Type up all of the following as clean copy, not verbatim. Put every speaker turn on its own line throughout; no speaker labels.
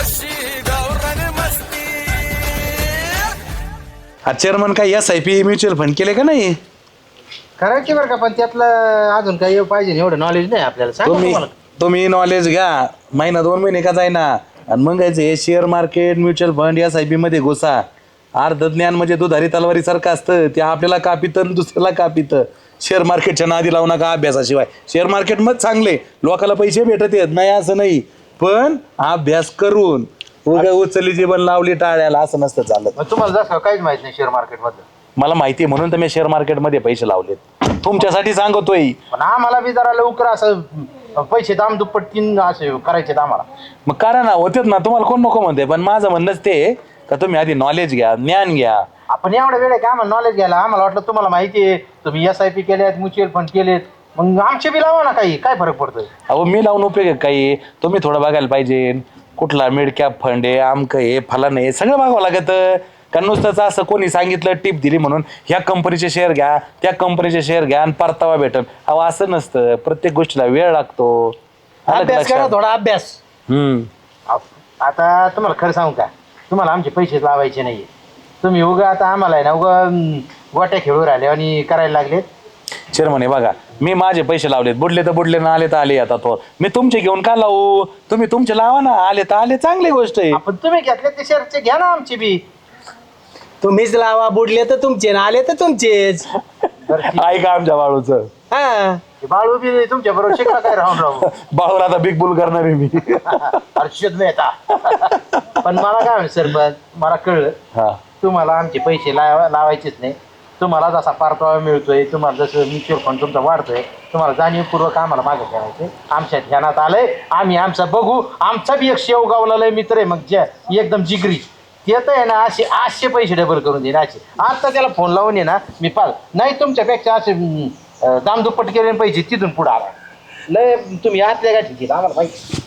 Chairman काय SIP mutual fund केले का नाही?
करायची बरं का, पण त्यातलं अजून काही पाहिजे एवढं नॉलेज नाही आपल्याला. सांगा
तुम्ही
तुम्हाला.
तुम्ही नॉलेज घ्या, महिना 2 महिने का जाईना, आणि मग हे share market mutual fund SIP मध्ये घुसा. अर्ध ज्ञान म्हणजे दुधारी तलवारी सारखं असतं, ते आपल्याला कापितं आणि दुसऱ्याला कापितं. शेअर मार्केटच्या नादी लावू नका अभ्यासाशिवाय. शेअर मार्केट मग चांगले, लोकांना पैसे भेटत आहेत नाही असं नाही, पण अभ्यास करून उगा उचलली जीवन लावली टाळ्याला असं नसतं चालत.
मग तुम्हाला जसं काहीच माहित नाही शेअर मार्केट मधलं.
मला माहिती आहे म्हणून तर मी शेअर मार्केटमध्ये पैसे लावलेत, तुमच्यासाठी सांगतोय.
पण आम्हाला बी जरा लवकर असं पैसे दाम दुप्पट तीन असे करायचे आम्हाला.
मग करा ना, होतेच ना, तुम्हाला कोण नको म्हणते, पण माझं म्हणणंच ते का तुम्ही आधी नॉलेज घ्या, ज्ञान घ्या.
आपण एवढा वेळ आहे का आम्हाला नॉलेज घ्यायला? आम्हाला वाटलं तुम्हाला माहिती आहे, तुम्ही SIP केलेत, म्युच्युअल फंड केलेत, मग आमचे बी लावा ना, काही काय फरक पडतोय?
अहो मी लावून उपयोग आहे काही? तुम्ही थोडं बघायला पाहिजे, कुठला मिड कॅप फंड आहे, आमकं आहे, फलान आहे, सगळं बघावं लागतं. कारण नुसतंच असं कोणी सांगितलं टिप दिली म्हणून ह्या कंपनीचे शेअर घ्या, त्या कंपनीचे शेअर घ्या आणि परतावा भेटल, अहो असं नसतं. प्रत्येक गोष्टीला वेळ लागतो. आलं का
अभ्यास करा,
लक्षात?
थोडा अभ्यास. आता तुम्हाला खरं सांगू का, तुम्हाला आमचे पैसे लावायचे नाहीये. तुम्ही उगा आता आम्हाला आहे ना उगा गोट्या खेळू राहिले आणि करायला लागले.
चेअरमन हे बघा, मी माझे पैसे लावलेत, बुडले तर बुडले ना, आले तर आले. आता तो मी तुमचे घेऊन का लावू? तुम्ही तुमचे लावा ना, आले तर आले, चांगली गोष्ट आहे.
आपण तुम्ही घेतले ते शेअरचे घ्या ना आमचे बी.
तुम्हीच लावा, बुडले तर तुमचे ना आले तर तुमचेच.
ऐका आमच्या बाळूचं.
हा
बाळू बी तुमच्या बरोबर शिकला काय राहून राहू.
बाळूला आता बिग बुल करणार आहे मी.
हर्षद मेहता. पण मला काय म्हणत सरपंच, मला कळलं
हा,
तुम्हाला आमचे पैसे लावायचेच नाही. तुम्हाला जसा परतावा मिळतोय, तुम्हाला जसं म्युच्युअल फंड तुमचा वाढतोय, तुम्हाला जाणीवपूर्वक आम्हाला मागे ठेवायचे. आमच्या ध्यानात आलंय, आम्ही आमचा बघू. आमचा बी एक शेवगावला मित्र आहे, मग ज्या एकदम जिगरी येत आहे ना, असे पैसे डबल करून देईन असे. आता त्याला फोन लावून ये ना, मी पाल नाही तुमच्यापेक्षा असे दामदुप्पट केले पैसे तिथून पुढे आला. लय तुम्ही आतल्या गाठी दिला आम्हाला माहिती.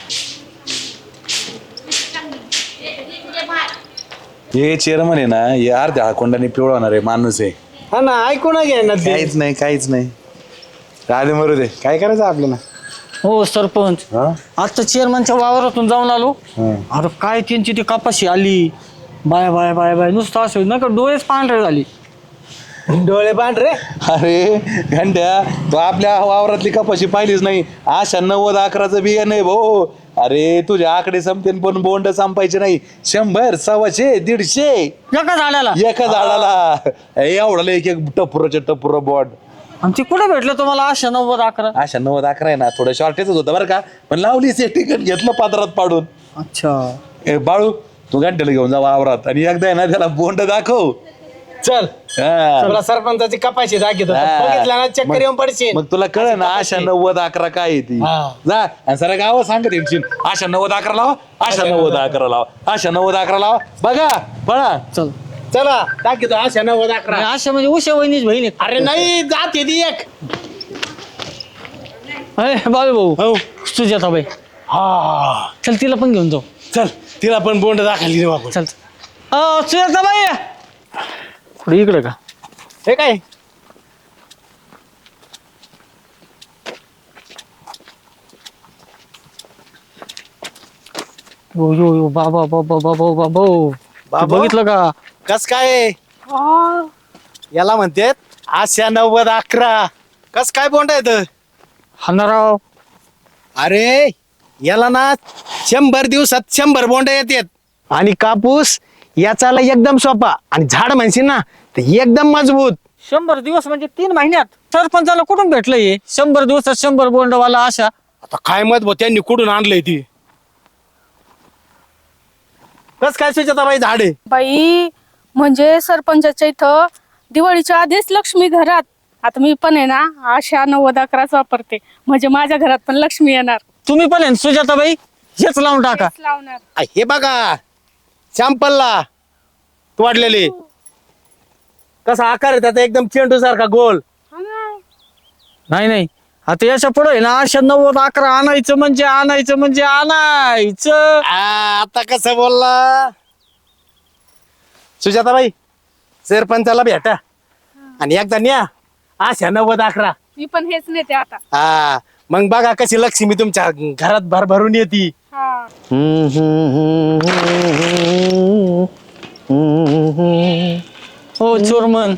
हे चेअरमन आहे ना, हे अर्ध्या हाकोंडाने पिवळवणार आहे माणूस आहे.
हा ना, ऐकू ना घ्या ना ते.
काहीच नाही, काहीच नाही. राधे मरू दे, काय करायचं आपल्याला?
हो सरपंच,
हा?
आता चेअरमनच्या वावरातून जाऊन आलो.
हा.
अरे काय त्यांची ती कपाशी आली, बाय बाय बाय बाय, नुसतं असं नका डोळेच पांढरे झाली.
डोळे पांढरे.
अरे घंट्या, तो आपल्या वावरातली कपाशी पाहिलीच नाही. अशा 90-11चं बिया नाही भाऊ. अरे तुझे आकडे संपते पण बोंड संपायचे नाही. 100, 125, 150
एका झाडाला.
एका झाडाला. एवढं एक एक टपुर बोंड.
आणि ते कुठे भेटलं तुम्हाला अशा 90-11?
अशा 90-11 आहे ना, थोडं शॉर्टेजच होतं बरं का, पण लावली तिकीट घेतलं पात्रात पाडून.
अच्छा.
बाळू, तू घंट्याला घेऊन जा वावरात आणि एकदा आहे ना त्याला बोंड दाखव.
चल
हा.
तुला सरपंचाची कपाशी दाखवतो,
हा.
बघितला ना चक्कर येऊन पडशील.
मग तुला कळ ना अशा 90-11 काय आहे ती.
हा.
जा आणि सर गाव सांगत येईल, अशा 90-11 लावा, अशा 90-11 लावा, अशा 90-11 लावा. बघा पळा.
चल.
चला दाखवतो अशा 90-11.
अशा म्हणजे उशा वहिनीच बहीण आहे.
अरे नाही, जाते ती एक.
अरे बाबू भाऊ,
हो
सुजाता बाई,
हा,
चल तिला पण घेऊन जाऊ.
चल तिला पण बोंड दाखवली रे बाबू.
चल. सुजाता बाई, कुठे इकडे का?
हे काय?
यो यो यो बाबा बाबा बाबा बाबा,
बाबा?
बघितलं का?
कस काय याला म्हणतात अशा 90-11? कस काय बोंड येत?
हाणाराव.
अरे याला ना 100 दिवसात 100 बोंड येतात. आणि कापूस याचाला एकदम सोपा, आणि झाड म्हणशील ना तर एकदम मजबूत.
100 दिवस म्हणजे 3 महिन्यात. सरपंचाला कुठून भेटलं हे 100 दिवसात 100 बोंडवाला? अशा
आता काय मत भाऊ, त्यांनी कुठून आणलंय ती? कस काय सुजाताबाई झाड आहे?
बाई, म्हणजे सरपंचाच्या इथं दिवाळीच्या आधीच लक्ष्मी घरात. आता मी पण आहे ना अशा 90-11 वापरते, म्हणजे माझ्या घरात पण लक्ष्मी येणार.
तुम्ही पण आहे सुजाताबाई, हेच लावून टाका.
तेच लावणार.
हे बघा सॅम्पलला तोडलेले. कसा आकार आहे त्याचा, एकदम चेंडू सारखा गोल.
हा ना.
नाही नाही, आता याच्या पुढे ना अशा 90-11 आणायचं म्हणजे आणायचं.
आता कसं बोलला सुजाताबाई? सरपंचाला भेटा आणि एकदा न्या अशा 90-11.
मी पण हेच नेते आता.
हा, मग बघा कशी लक्ष्मी तुमच्या घरात भरभरून येते.
हा.
हो चोरमन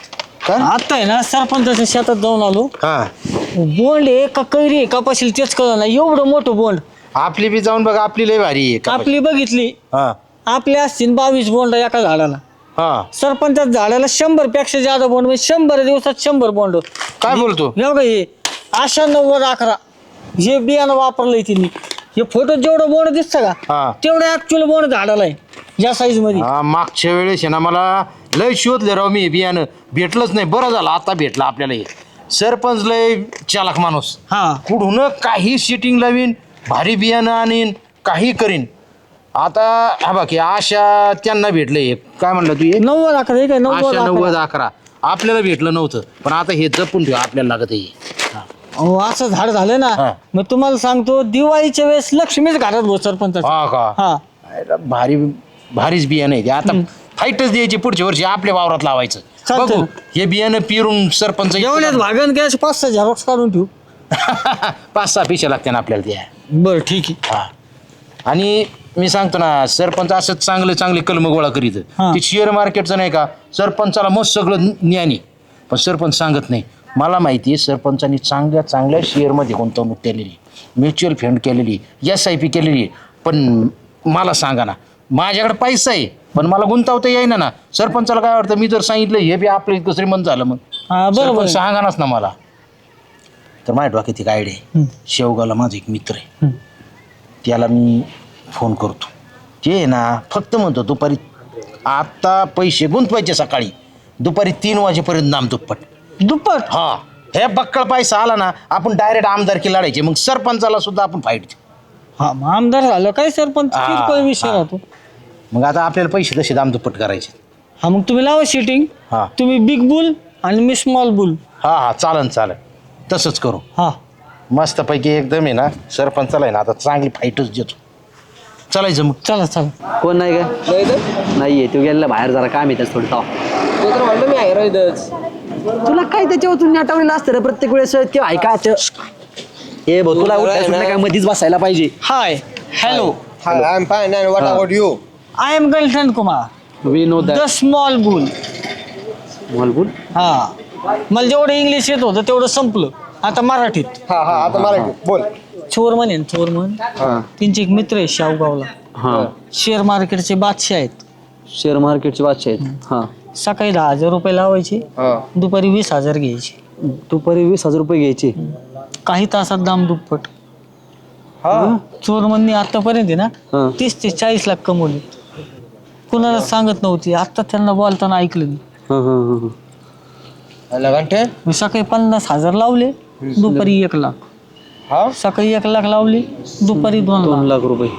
आता आहे ना सरपंचाच्या शेतात जाऊन आलो.
हा
बोंड आहे का कैरी आहे का पाशील तेच कळलं ना. एवढं मोठं बोंड.
आपली बी जाऊन बघा, आपली लय भारी आहे.
आपली बघितली,
हा
आपले असतील 22 बोंड एका झाडाला.
हा
सरपंचाच्या झाडाला 100 पेक्षा जादा बोंड, म्हणजे 100 दिवसात 100 बोंड.
काय बोलतो?
हे बघा हे आशा 90-11 हे बियाणं वापरलंय तिने. हे फोटो जेवढं बोंड दिसतं
हा.
का तेवढं ऍक्च्युअल बोंड झाडाला आहे या साईज मध्ये.
हा मागच्या वेळेस आहे ना मला लय शोधले राव मी बियाणं, भेटलंच नाही. बरं झालं आता भेटलं आपल्याला. हे सरपंच लय चालाक माणूस.
हा
कुठून काही सिटिंग लावीन, भारी बियाणं आणीन, काही करीन. आता हा बाकी आशा त्यांना भेटलंय. काय म्हणलं तू?
90-11 हे काय
आशा
90-11.
90-11 आपल्याला भेटलं नव्हतं, पण आता हे जपून ठेव, आपल्याला लागत आहे.
अहो असं झाड झालं ना.
हा.
मग तुम्हाला सांगतो दिवाळीच्या वेळेस लक्ष्मीच घालत भाऊ सरपंच.
हा का?
हा
अरे भारीच बियाणं आहे ते. आता फाईटच द्यायची पुढच्या वर्षी आपल्या वावरात लावायचं.
चालतंय.
बघू हे बियाणं पिरून सरपंच
जेवण्यात भागन काय 5-6 झेरॉक्स काढून ठेवू.
5-6 पिशा लागते ना आपल्याला त्या.
बरं ठीक आहे.
हा आणि मी सांगतो ना, सरपंच असं चांगले चांगले कलम गोळा करीत.
हा.
ते शेअर मार्केटचं नाही का, सरपंचाला मस्त सगळं ज्ञानी, पण सरपंच सांगत नाही. मला माहिती आहे सरपंचांनी चांगल्या चांगल्या शेअरमध्ये गुंतवणूक केलेली, म्युच्युअल फंड केलेली, SIP केलेली. पण मला सांगा ना, माझ्याकडे पैसा आहे पण मला गुंतवता येईना ना. सरपंचाला काय वाटतं, मी जर सांगितलं हे बी आपलं इतकं श्रीमंत झालं, मग
हा बरोबर
सरपंच
आहे.
सांगानाच ना मला. तर माझ्या डोक्यात एक आयडिया आहे. शेवगावला माझा एक मित्र आहे, त्याला मी फोन करतो. ते आहे ना फक्त म्हणतो दुपारी आता पैसे गुंतवायचे, सकाळी दुपारी 3 वाजेपर्यंत नाम दुप्पट.
दुप्पट.
हा हे बक्कळ पैसा आला ना, आपण डायरेक्ट आमदारकी लढायचे. मग सरपंचाला सुद्धा आपण फाईट देऊ.
हा मग आमदार झालं काय सरपंच
हा,
किरकोळ विषय
हा.
राहतो.
मग आता आपल्याला पैसे तसे दाम दुप्पट करायचे.
हा मग तुम्ही लावा शिटिंग.
हा
तुम्ही बिग बुल आणि मी स्मॉल बुल.
हा चालन तसंच करू.
हा
मस्तपैकी एकदम आहे ना, सरपंचाला आहे ना आता चांगली फाईटच देतो. चालायचं मग.
चला चला.
कोण नाही का? नाहीये तो गेलेला बाहेर, जरा काम येतात थोडं ताव. तुला काय त्याच्यावर नाटवलेलं असतं रे प्रत्येक वेळेस ते ऐकायचं. ए भाऊ तुला उठायचं नाही काय, मधीच बसायला पाहिजे.
Hi hello
Hi, I'm fine. And what about you?
I am girlfriend Kumar
we know
the small bull.
बोल.
हा मला जेवढं इंग्लिश येत होतं तेवढं संपलं. आता मराठीत.
हा आता मराठी बोल.
चोरमन आहे ना, चोरमन. त्यांचे एक मित्र आहे शावगावला,
हा
शेअर मार्केटचे बादशाह आहेत.
शेअर मार्केटचे बादशाह आहेत. हा
सकाळी 10,000 रुपये लावायचे, दुपारी 20,000 घ्यायचे.
दुपारी 20,000 रुपये घ्यायचे.
काही तासात दाम दुप्पट. चोरमननी आतापर्यंत आहे ना
हा.
30 ते 40 लाख कमवले. कुणाला सांगत नव्हती, आता त्यांना बोलताना ऐकलं मी.
हा हा हा
घंटे
मी सकाळी 50,000 लावले, दुपारी 1 लाख. सकाळी 1 लाख लावले, दुपारी 2
2
लाख.
लाख रुपये.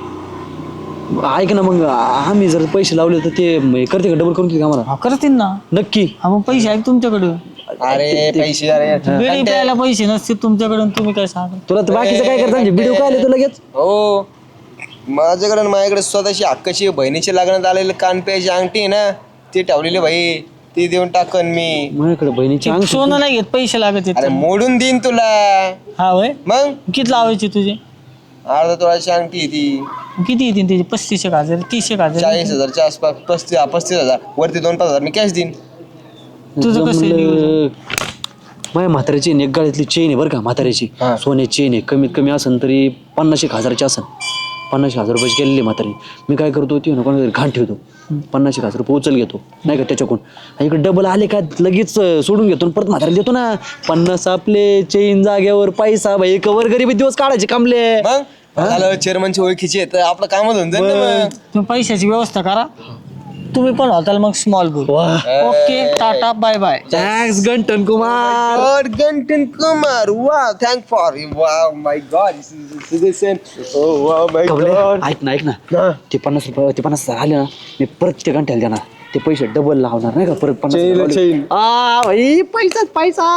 ऐक ना, मग आम्ही जर पैसे लावले तर ते करते का, डबल करून देते का आम्हाला?
हा करतील ना.
नक्की.
हा मग पैसे आहेत तुमच्याकडे.
अरे पैसे अरे
बिडी प्यायला पैसे नसते तुमच्याकडे, तुम्ही काय सांगा.
तुला तर बाकीचं काय करता व्हिडिओ काय आले तू लगेच?
हो माझ्याकडे आणि माझ्याकडे स्वतःची हक्काची बहिणीच्या लग्नात आलेले कान प्यायची अंगठी आहे ना, ती ठेवलेली भाई, ती देऊन टाकन मी.
माझ्याकडे बहिणीची अंगठी.
सोनं नाही घेत, पैसे लागत
अरे
आहेत.
मोडून देईन तुला.
हा वय
मग
किती लावायचे तुझे?
अर्धा तोळाची अंगठी आहे ती.
किती येतील त्याचे? 35,000 30,000.
40,000च्या आसपास. 35,000 वरती 2-5,000 मी कॅश देईन.
तुझं कसं आहे नियोजन?
जमलं. माझ्या म्हाताऱ्याची एक गळ्यातली चेन आहे बरं का, म्हाताऱ्याची सोन्याची चेन आहे. कमीत कमी असेल तरी 50,000ची असेल. 50,000 रुपयाची केलेली म्हातारी. मी काय करतो, ती कोणातरी घाण ठेवतो, 50,000 रुपये उचल घेतो नाही का त्याच्याकडून. आणि इकडे डबल आले का लगेच सोडून घेतो, परत म्हाताऱ्याला देतो ना. 50 आपले, चेन जाग्यावर, पैसा भाई, कवर गरिबी दिवस काढायचे कामले.
मग झालं चेअरमनची ओळखीची आहे तर आपलं कामच होऊन जाईल ना मग.
तुम्ही पैशाची व्यवस्था करा. तुम्ही पण होताल मग small bull. Okay tata bye bye.
Thanks Gantin Kumar.
God, Gantin Kumar. Wow, thank for him. Wow, my God, this is citizen. Oh, wow, my
कमले,
God.
ऐक ना ते 50 रुपये, ते 50,000 आले ना, मी परत ते घंट्याला देणार. ते पैसे डबल लावणार नाही का, परत 50,000
chain.
भाई, पैसा.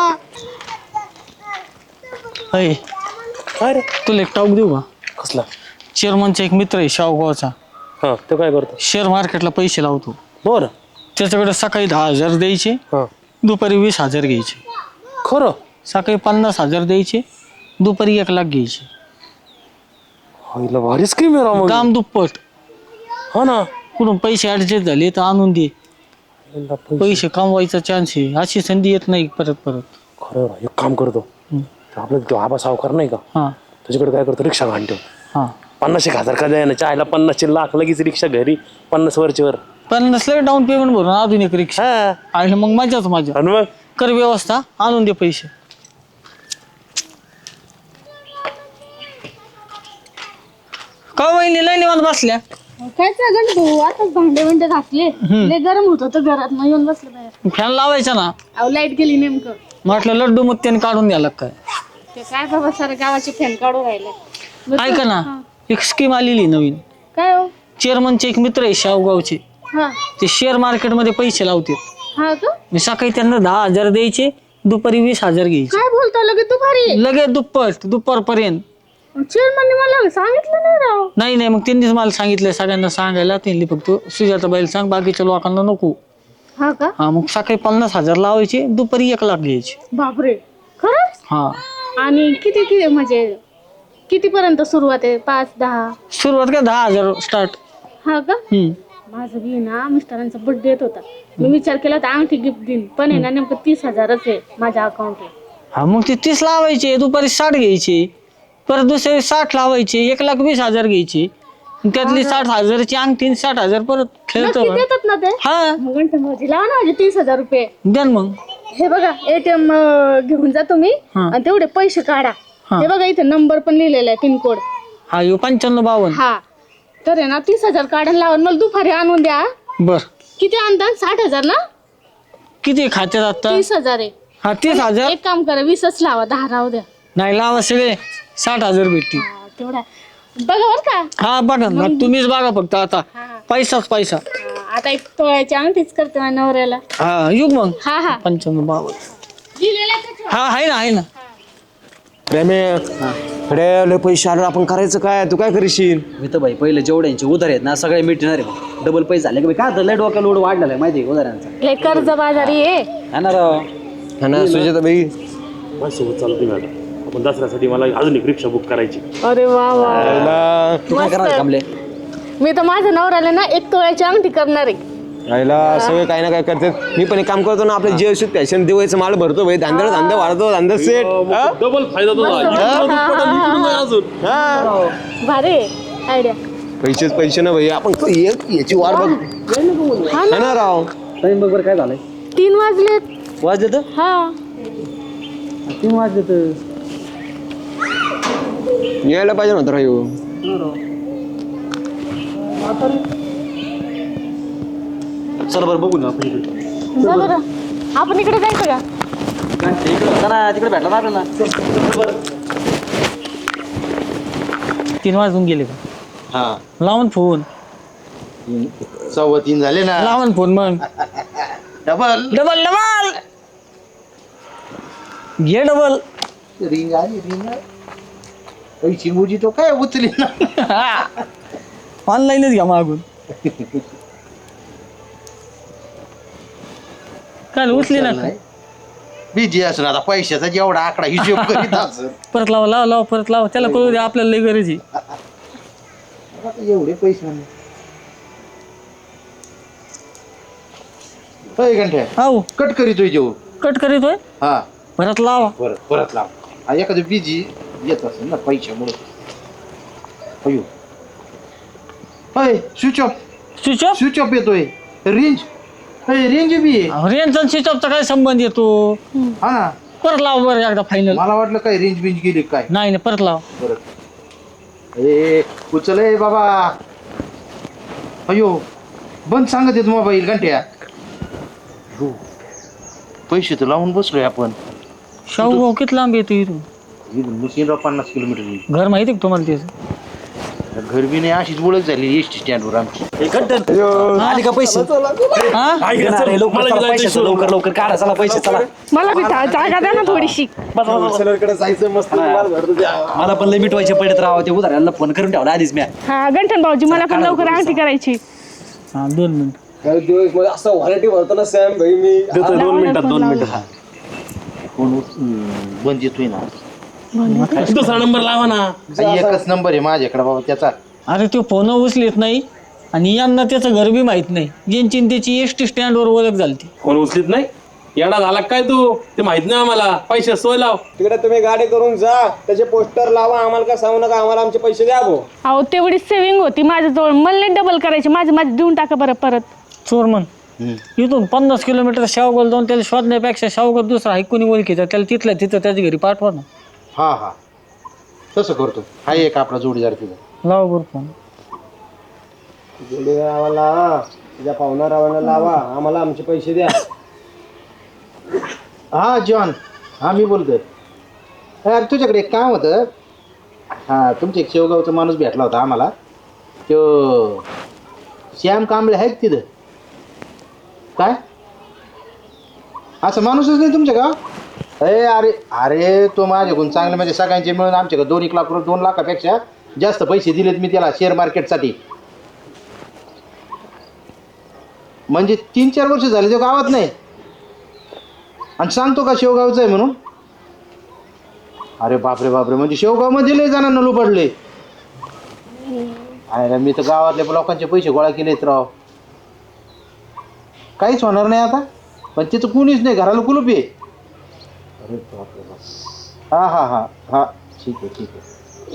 अय
अरे
तुला एक टाऊक देऊ का?
कसला?
चेअरमनचा एक मित्र आहे शावगावचा,
हा तो काय करतो?
शेअर मार्केटला पैसे लावतो.
बरं.
त्याच्याकडे सकाळी 10,000 द्यायचे, दुपारी 20,000 घ्यायचे.
खरं?
सकाळी 50,000 द्यायचे, दुपारी 1 लाख घ्यायचे.
होईल भारी स्कीम आहे राव मग.
दाम दुप्पट.
हो ना.
कुठून पैसे ऍडजस्ट झाले तर आणून दे. पैसे कमवायचा चान्स आहे. अशी संधी येत नाही परत परत.
खरं राव, एक काम करतो आपलं तो आबा सावकार नाही का
हा
त्याच्याकडे काय करतो रिक्षा घालतो
हा
50,000 का द्यायला चायला 50 लाख लगेच रिक्षा घरी 50 वरची वर.
पण नसलं डाऊन पेमेंट भरून अजून एक रिक्षा आणि मग मजाच मजा.
आणि मग
कर व्यवस्था आणून दे पैसे. का वहिनी लय निवांत बसल्या.
काय चाललं भाऊ आताच भांडे घासले लय गरम होत होतं घरात मग येऊन बसलं बाहेर.
फॅन लावायचा ना.
अहो लाईट गेली नेमकं.
म्हटलं लड्डू मग त्याने काढून द्यायला काय.
ते काय बाबा सारे गावाचे फॅन काढून राहिले.
ऐका ना एक स्कीम आलेली नवीन.
काय हो?
चेअरमनचे एक मित्र आहे शावगावचे.
हा
ते शेअर मार्केटमध्ये पैसे लावते.
हा का
मी सकाळी त्यांना 10,000 द्यायचे दुपारी 20,000 घ्यायचे.
काय बोलता लगेच दुपारी?
लगेच दुप्पट दुपारपर्यंत.
चेअरमनने मला सांगितलं नाही राव.
नाही मग त्यांनीच मला सांगितलं सगळ्यांना सांगायला. त्यांनी फक्त सुजाताबाईला सांग बाकीच्या लोकांना नको.
हा का?
हा मग सकाळी 50,000 लावायचे दुपारी 1 लाख घ्यायचे.
बापरे खरंच?
हा
आणि किती किती म्हणजे कितीपर्यंत सुरुवात आहे? 5-10?
सुरुवात का 10,000 स्टार्ट.
हा का? माझं बी ना मिस्टरांचा बर्थडे येत होता. मी विचार केला तर अंगठी गिफ्ट देईन पण आहे ना नेमकं 30,000च आहे माझ्या अकाउंटला.
हा मग ते 30 लावायचे दुपारी 60 घ्यायचे. परत दुसरे 60 लावायचे 1,20,000 घ्यायचे. त्यातली 60,000ची अंगठी 60,000 परत खेळतो.
नक्की देतात ना ते?
हा
मग गंठन भाऊजी लावा ना माझे 30,000 रुपये.
द्या ना मग.
हे बघा ATM घेऊन जा तुम्ही आणि तेवढे पैसे काढा. हे बघा इथे नंबर पण लिहिलेला आहे पिनकोड.
हा यो 9552.
हा तर आहे ना 30,000 काढायला लावून मला दुपारी आणून द्या.
बर
किती आणता? 60,000 ना?
किती खात्यात आता?
30,000 आहे.
हा 30,000
एक काम करा 20च लावा 10 राहू द्या.
नाही लावा सगळे 60,000 भेटतील.
तेवढा बघा बर का.
हा बघा ना तुम्हीच बघा फक्त आता पैसाच पैसा.
आता एक तोळ्याची अंगठीच करते माझ्या नवऱ्याला.
हा युग मग
हा हा
9552.
लिहिलेलं आहे त्याच्यावर.
हा आहे ना
लय पैसे आले आपण करायचं काय? तू काय करशील?
मी तर भाई पहिले जेवढ्यांचे उधार आहेत ना सगळे मिटणार आहे मग. डबल पैसे झाले का काय लय डोक्याला लोड वाढलेला आहे माहिती आहे उधारांचा.
लय कर्ज बाजारी आहे.
हा ना राव.
हा ना सुजाताबाई
माझ्यासोबत चालते मॅडम आपण दसऱ्यासाठी मला अजून एक रिक्षा बुक करायची.
अरे वा वा
तू काय करणार कामले.
मी तर माझ्या नवऱ्याला ना एक तोळ्याची अंगठी करणार आहे.
आईला सगळे काही ना काय करतात. मी पण एक काम करतो ना आपल्या जीवशुद्ध फॅशन दिवाळीचं माल भरतो भाई. धंदा वाढतो धंदा सेट.
डबल फायदा अजून.
भारी आयडिया.
पैसे ना भाई आपण याची वाट बघ. हा ना राव.
टाइम बघ बरं काय झालंय.
3 वाजलेत.
वाजले तर
हा
3 वाजले तर
यायला पाहिजे नव्हतं राव ह्यो.
चला बरं बघू ना आपण इकडे.
जा बरं. आपण इकडे जायचं का?
इकडे होता ना तिकडे भेटला ना आपल्याला.
3 वाजून गेले का?
हा
लावून फोन
3:15 झाले ना.
लावून फोन मग
डबल
डबल डबल घे डबल.
रिंग आली पैसे उजी तो काय उचली ना.
ऑनलाईनच घ्या मागून. काल उचली ना
बिझी असं आता पैशाचा जेवढा आकडा हिशोब करीत असं.
परत लावा परत लावा त्याला कळू दे आपल्याला लई गरज आहे.
आता एवढे पैसे घंटे
हो
कट करीतोय जेव.
कट करीतोय
हा
परत लावा.
परत लाव. हा एखादं बिझी येत असेल ना पैशामुळे. अयो switch off
switch off.
Switch off येतोय. रेंज रेंज बी आहे.
रेंजचा स्विच ऑफचा काय संबंध येतो.
हा ना
परत लावा बरं एकदा फायनल.
मला वाटलं काय रेंज बिंज गेली काय.
नाही परत लावा.
परत उचल बाबा. अयो बंद सांगत येत मोबाईल घंट्या. पैसे तर लावून बसलोय आपण.
शाहू किती लांब येतो इथून.
मुशीनराव 50 किलोमीटर.
घर माहिती का तुम्हाला त्याचं.
घर बी नाही अशीच ओळख झाली एसटी स्टँडवर आमची.
आली का पैसे.
हा
लवकर चला, पैशाचं लवकर लवकर काढा चला पैसे चला.
मला बी जागा द्या ना थोडीशी.
जायचं मस्त.
मला पण लय मिटवायचे पडत राव ते उधाराला फोन करून ठेवला आधीच मी.
हा गंठन भाऊजी मला पण लवकर अंगठी करायची.
हा 2 मिनिट.
काही दिवस मध्ये असं व्हरायटी भरतो ना सॅम भाई मी.
2 मिनिटात 2 मिनिटं.
फोन बंद येतोय ना.
दुसरा नंबर लावा ना.
एकच नंबर आहे माझ्याकडे बाबा त्याचा.
अरे तो फोन उचलीत नाही आणि यांना त्याचं घर बी माहित नाही. यांची आणि त्याची एसटी स्टँडवर ओळख झाली.
फोन उचलीत नाही. येडा झाला काय तू? ते माहित नाही आम्हाला. पैसे सोय लाव.
तिकडे तुम्ही गाडी करून जा, त्याचे पोस्टर लावा, आम्हाला काय सांगू नका, आम्हाला आमचे पैसे द्या भाऊ.
अहो तेवढी सेव्हिंग होती माझ्याजवळ, मला नाही डबल करायची. माझे देऊन टाका बरं परत.
चोरमन इथून 50 किलोमीटर शावगल जाऊन त्याला शोधण्यापेक्षा शावगल दुसरा आहे कोणी ओळखीचा त्याला तिथल्या तिथं त्याच्या घरी पाठवा ना.
हा हा तसं करतो. हा एक आपला जोडीदार तिथं.
लावा बरं फोन.
आम्हाला तुझ्या पाहुणा रावांना लावा, आम्हाला आमचे पैसे द्या.
हा जॉन, हा मी बोलतोय. यार तुझ्याकडे एक काम होतं. हा तुमच्या एक शेवगावचा माणूस भेटला होता आम्हाला. तो श्याम कांबळे आहेत तिथं. काय असं माणूसच नाही तुमच्या गाव? अरे अरे तो माझ्याकडून चांगले म्हणजे सगळ्यांचे मिळून आमच्याकडे 2 लाख रुपये 2 लाखापेक्षा जास्त पैसे दिलेत मी त्याला शेअर मार्केटसाठी. म्हणजे 3-4 वर्ष झाले तो गावात नाही आणि सांगतो का शेवगावचं आहे म्हणून. अरे बापरे बापरे, म्हणजे शेवगावमध्ये लय जणांना लुबडले. अरे मी तर गावातल्या लोकांचे पैसे गोळा केलेत राव. काहीच होणार नाही आता. पण तिथं कुणीच नाही, घराला कुलूप आहे. अरे बापरे बाप. हा हा हा हा ठीक आहे ठीक आहे.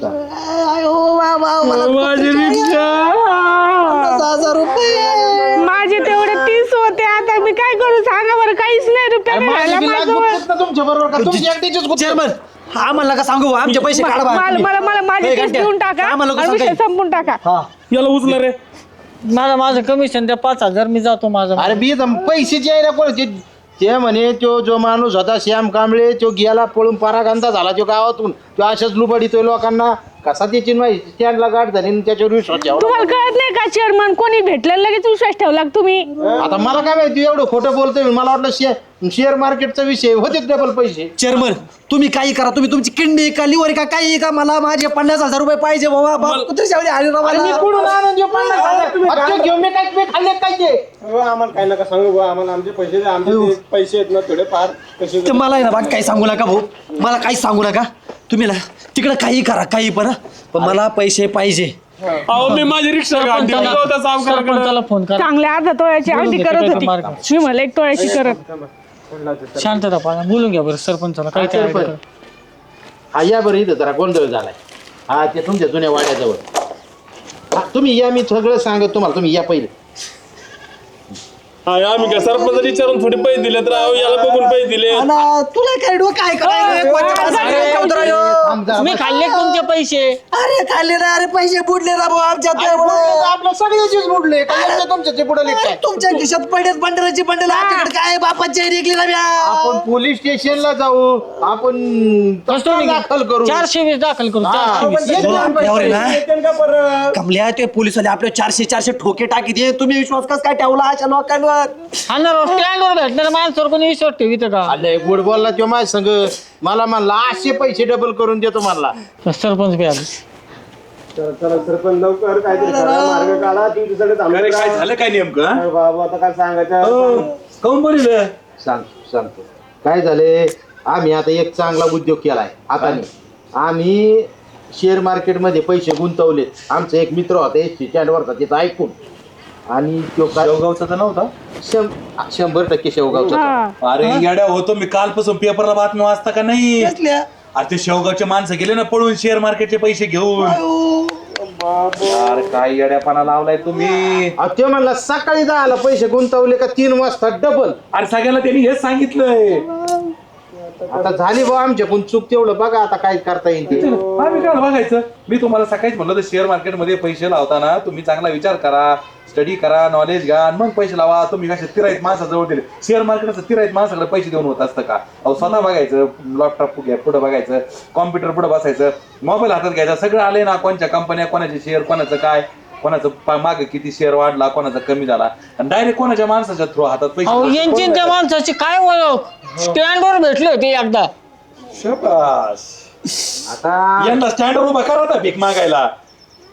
माझे तेवढे 30 होते, आता मी काय करू सांगा बरं. काहीच नाही रुपया राहिला माझ्याजवळ.
तुमच्या बरोबर का तुमची एकटीचीच गुत्त?
चेअरमन आम्हाला का सांगू आमचे पैसे काढा बा.
मला माझे 30 देऊन टाका आणि विषय संपून टाका.
याला उचला रे.
माझं कमिशन द्या 5,000 मी जातो माझं.
अरे बी पैसेची आहे ना कोण ते म्हणे. तो जो माणूस होता श्याम कांबळे तो गेला पळून परागंदा झाला तो गावातून. तो अशाच लुबडितोय लोकांना. कसा त्याची माहिती स्टँडला गाठ झाली आणि त्याच्यावर विश्वास ठेवला.
तुम्हाला कळत नाही का चेअरमन? कोणी भेटलं लगेच विश्वास ठेवला तुम्ही.
आता मला काय माहिती एवढं खोटं बोलतोय. मला वाटलं शेअर मार्केटचा विषय होते डबल पैसे.
चेअरमन तुम्ही काही करा, तुम्ही तुमची किडनी का लिव्हर का काही का, मला माझे 50,000 रुपये पाहिजे बाबा. कुत्र्याच्या
अरे मी कुठून आणून देऊ 50,000? अच्छा, घेऊन मी काय मी खाल्ले काय ते?
आम्हाला काय नका सांगू भाऊ, आम्हाला आमचे पैसे द्या. आमचे ते पैसे आहेत ना थोडे फार कसे.
ते मला आहे ना बाकी काही सांगू नका भाऊ, मला काही सांगू नका तुम्ही ना. तिकडे काही करा काही पण मला पैसे पाहिजे.
अहो मी माझी रिक्षा काढली.
सरपंचाला फोन करा.
चांगल्या अर्धा तोळ्याची अंडी करत होती, मी मला 1 तोळ्याची करत.
शांतता पाहा, बोलून घ्या बरं सरपंचाला. काय ते idea करा.
हा या बरं इथं जरा गोंधळ झालाय. हा ते तुमच्या जुन्या वाड्याजवळ. हा तुम्ही या, मी सगळं सांगत तुम्हाला. तुम्ही या पहिले.
आम्ही काय सरपंच विचारून थोडे पैसे दिले तर याला बघून पैसे दिले.
तुला काय डोकं काय
मी खाल्ले तुमचे पैसे.
अरे खाल्ले ना, अरे पैसे बुडले ना भाऊ आमच्यात.
आपल्या सगळ्याचीच बुडले काय तुमच्या बुडले काय?
तुमच्या खिशात पडलेत बंडराची बंडल, आमच्याकडे काय बापाची रेगली ना.
आपण पोलीस स्टेशनला जाऊ. आपण तक्रार दाखल करू.
420 दाखल करू. 420.
कमल्या ते पोलिसवाले आपले 400 ठोके टाकी दे. तुम्ही विश्वास कस काय ठेवला अशा लोकांवर?
हा ना, स्टँडवर भेटणार माणसावर कोणी विश्वास ठेवित का?
आले गुड बोलला तो माझ्या संग. मला म्हणला 800 पैसे डबल करून देतो म्हणला.
सरपंच बी आले.
चला सरपंच लवकर काहीतरी करा, मार्ग काढा. तुमच्याकडे
अरे काय झालं काय नेमकं?
बाबा आता काय सांगायचं.
काऊन बोलिलं?
सांगतो काय झाले. आम्ही आता एक चांगला उद्योग केलाय. आता आम्ही शेअर मार्केटमध्ये पैसे गुंतवलेत. आमचा एक मित्र होता एसटी स्टँडवरचा, तिथं ऐकून. आणि तो
शेवगावचा तर नव्हता.
100% शेवगावचा.
अरे येड्या होतो मी कालपासून पेपरला बातमी वाचता का नाही? अरे ते शेवगावचे माणसं गेले ना पळून शेअर मार्केटचे पैसे घेऊन. अरे काय येड्यापणा लावलाय तुम्ही.
ते म्हणला सकाळी 10ला पैसे गुंतवले का 3 वाजता डबल.
अरे सगळ्यांना त्यांनी हेच सांगितलंय.
आता झाली बा आमच्याकडून चूक. तेवढं बघा आता काय करता येईल ते.
आम्ही काय बघायचं. मी तुम्हाला सकाळीच म्हणलं तर शेअर मार्केटमध्ये पैसे लावताना तुम्ही चांगला विचार करा, स्टडी करा, नॉलेज घ्या आणि मग पैसे लावा. तुम्ही कशा तिराईत माणसाजवळ दिले. शेअर मार्केटचं तिराईत माणसाकडे पैसे देऊन होत असतं का? अहो स्वतः बघायचं, लॅपटॉप पुढे बघायचं, कॉम्प्युटर पुढे बसायचं, मोबाईल हातात घ्यायचा. सगळं आले ना, कोणत्या कंपन्या, कोणाचे शेअर, कोणाचं काय, कोणाचं मागे किती शेअर वाढला, कोणाचा कमी झाला, आणि डायरेक्ट कोणाच्या माणसाच्या थ्रू हातात
अहो
पैसे.
यांची त्या माणसाची काय ओळख. स्टँडवर भेटले होते एकदा.
शाबास.
आता
यांना स्टँडवर उभा करा होता भीक मागायला.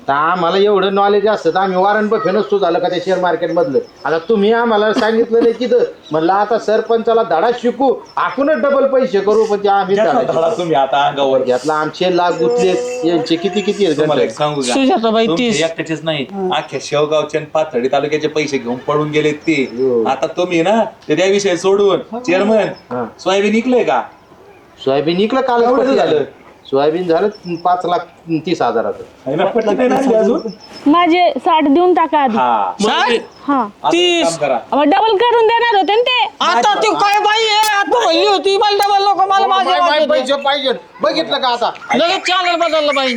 तर आम्हाला एवढं नॉलेज असतं तर आम्ही वॉरंट बफे नसतो झालं का त्या शेअर मार्केट मधलं. आता तुम्ही आम्हाला सांगितलं नाही तिथं, म्हणलं आता सरपंचाला धडा शिकू, आपणच डबल पैसे करू, पण ते आम्ही धडा
धडा तुम्ही आता अंगावर घ्या.
यातला आमचे लाख गुतले, यांचे किती किती आहेत
तुम्हाला
गणपती?
एक सांगू का?
सुजाताबाई
तुमचे
30.
एकट्याचेच नाही, अख्ख्या शेवगावचे आणि पाथर्डी तालुक्याचे पैसे घेऊन पळून गेलेत ते. आता तुम्ही ना ते त्या विषय सोडून चेअरमन सोयाबीन निघलंय का?
सोयाबीन इकडं काल
एवढं झालं?
सोयाबीन झालं 5,30,000.
आहे ना, पटलं नाही ना अजून?
माझे 60 देऊन टाका आधी.
हा.
हा
आता एक काम करा.
डबल करून देणार होते ना ते.
आता ती काय बाई आहे, आता म्हणली होती मला डबल लोक मला माझे वाटत.
पैसे पाहिजे, बघितलं का आता?
लगेच चॅनल बदललं बाई.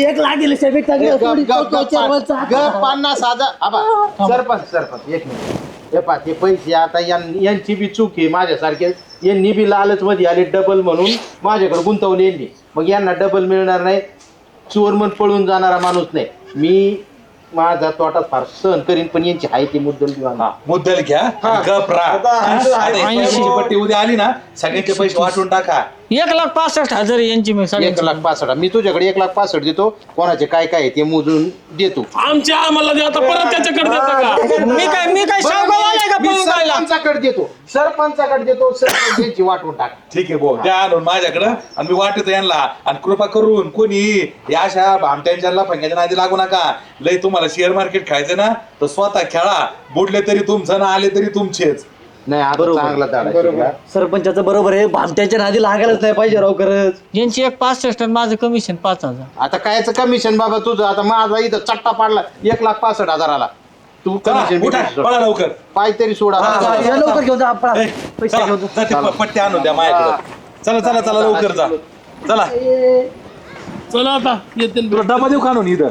गप 50,000. आबा, सरपंच एक मिनिट. हे पहा, ते पैसे आता यांची बी चूक आहे, माझ्यासारखे यांनी बी लालच मध्ये आले डबल म्हणून माझ्याकडे गुंतवले यांनी, मग यांना डबल मिळणार नाही. चोर मन पळून जाणारा माणूस नाही मी, माझा तोटा फार सहन करीन, पण यांची हाय ती मुद्दल
हा, मुद्दल घ्या आणि गप राहा. आता ही पैशाची पट्टी उद्या आली ना, सगळ्यांचे पैसे वाटून टाका.
1,65,000 यांची मी सगळी.
1,65,000. मी तुझ्याकडे 1,65,000 देतो, कोणाचे काय काय आहे ते मोजून देतो.
आमच्या आम्हाला द्या आता परत त्याच्याकडे देता का?
मी काय शावगावाला का
मी
पळून जायला?
सरपंचाकडे देतो, सरपंच यांची वाटून टाक.
ठीक आहे भाऊ, द्या आणून माझ्याकडं आणि मी वाटतो यांना. आणि कृपा करून कोणी या अशा भामट्यांच्या लफंग्याच्या नादी लागू नका. लय तुम्हाला शेअर मार्केट खायचं ना तर स्वतः खेळा, बुडले तरी तुमचं ना आले तरी तुमचेच.
नाही आता चांगला दाडा शिकला.
सरपंचाचं बरोबर आहे, भामट्याच्या नादी लागायलाच नाही पाहिजे राव खरंच.
यांची 1,65,000 आणि माझं कमिशन 5,000.
आता कायचं कमिशन बाबा तुझं? आता माझा इथं चट्टा पाडला 1,65,000 तू
चला,
कमिशन
उठा, पळा लवकर.
पाय तरी सोडा.
या लवकर घेऊन जा आपला.
ए, चला, जा ते पट्टी आणून द्या माझ्याकडे. चला चला चला लवकर जा. चला,
चला आता येते
तुला डबा देऊ काढून इथं.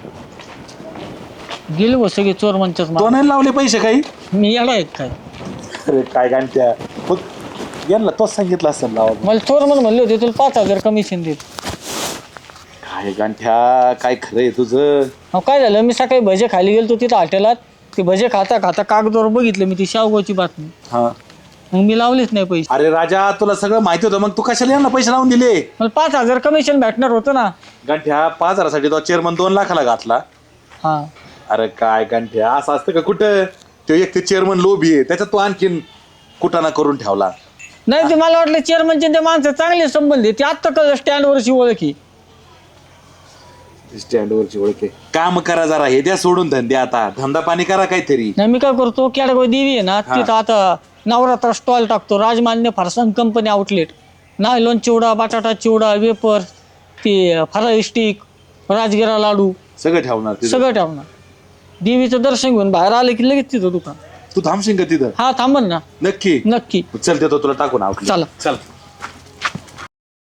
गेले हो सगळे चोर मंचच.
तो नाही लावले पैसे काही.
मी येणार आहे काय?
अरे काय गांठ्या, मग यांना तोच सांगितलं असेल लावा.
मला चोर म्हणले होते तुला 5,000 कमिशन देत.
काय गांठ्या, काय खरंय तुझं?
अहो काय झालं, मी सकाळी भजे खाली गेलो तिथं हॉटेलात. ते भजे खाता खाता कागदावर बघितलं मी ती शावगावची बातमी.
हा.
मग मी लावलेच नाही पैसे.
अरे राजा, तुला सगळं माहिती होतं, मग तू कशाला यांना पैसे लावून दिले?
मला 5,000 कमिशन भेटणार होतं ना.
गांठ्या, 5,000साठी तो चेअरमन 2 लाखाला घातला.
हा
अरे काय गांठ्या, असं असतं का कुठं? तो एक ते चेअरमन लोभी आहे, त्याच्यात तो आणखीन कुटाणा करून ठेवला.
नाही, ते मला वाटलं चेअरमनचे ते माणसं चांगले संबंध आहे. ते आत्ता कळलं स्टँडवरची ओळखी.
स्टँडवरची ओळख आहे. काम करा जरा, हे द्या सोडून धंदे. आता धंदा पाणी करा काहीतरी.
नाही, मी काय करतो, केडगाव देवी आहे ना तिथं आता नवरात्र स्टॉल टाकतो. Rajmanya farsan company outlet. Nylon chivda, बटाटा चिवडा, वेपर, ते फराळी स्टिक, राजगिरा लाडू
सगळं ठेवणार तिथं.
सगळं ठेवणार. देवीचं दर्शन घेऊन बाहेर आलं की लगेच तिथं दुकान.
तू थांबशील का तिथं?
हा थांबन ना.
नक्की
नक्की.
चल, देतो तुला टाकून आउटलेट.
चला.
चल.